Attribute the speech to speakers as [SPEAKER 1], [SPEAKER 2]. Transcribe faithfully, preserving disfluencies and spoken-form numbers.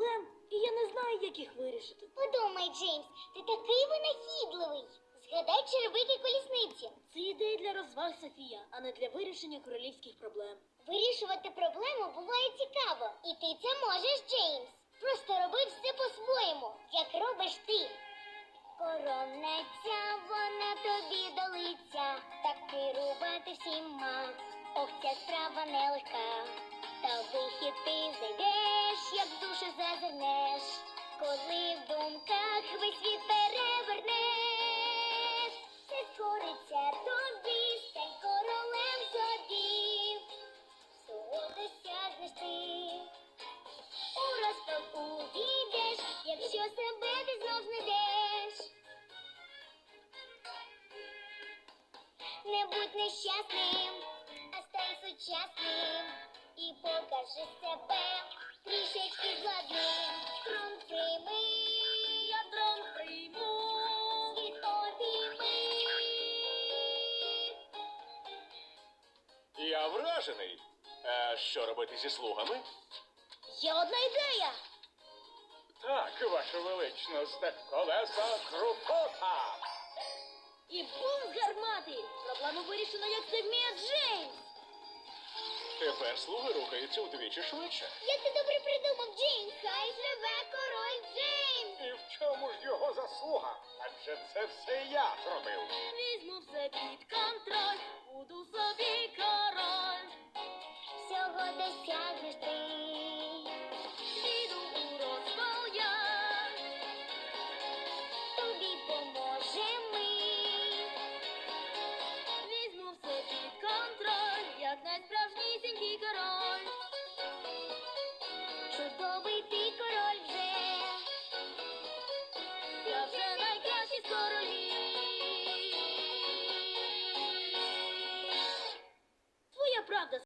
[SPEAKER 1] проблем, і я не знаю, як їх вирішити.
[SPEAKER 2] Подумай, Джеймс, ти такий винахідливий. Згадай черевики колісниці.
[SPEAKER 1] Це ідея для розваг, Софія, а не для вирішення королівських проблем.
[SPEAKER 2] Вирішувати проблему буває цікаво. І ти це можеш, Джеймс. Просто роби все по-своєму, як робиш ти. Коронеця, вона тобі долиця, так керувати всіма. Ох, ця справа нелегка. Та вихід ти знайдеш, як в душу зазирнеш, коли в думках весь світ перевернеш. Все скориться тобі, стань королем собі, всього досягнеш ти. У розпал увійдеш, якщо себе ти знов знайдеш. Не будь нещасним, а стань сучасним. І покажи себе трішечки владним. Трон прийми,
[SPEAKER 1] Я трон прийму.
[SPEAKER 2] світ обійми.
[SPEAKER 3] Я вражений. А що робити зі слугами?
[SPEAKER 1] Є одна ідея.
[SPEAKER 4] Так, ваша величність, колеса крутота.
[SPEAKER 1] І бум з гармати. Проблему вирішено, як це вміє Джеймс.
[SPEAKER 3] Тепер слуги рухаються удвічі швидше.
[SPEAKER 2] Як ти добре придумав, Джеймс. Хай живе король Джеймс.
[SPEAKER 4] І в чому ж його заслуга? Адже це все я зробив.
[SPEAKER 1] Візьму все під контроль, буду собі король.
[SPEAKER 2] Всього досягнеш ти.
[SPEAKER 1] Піду у розпал я.
[SPEAKER 2] Тобі поможемо ми.
[SPEAKER 1] Візьму все під контроль, як найсправжнісінький король.
[SPEAKER 2] Чудовий ти король вже.
[SPEAKER 1] Я вже найкращий з королів. Твоя правда,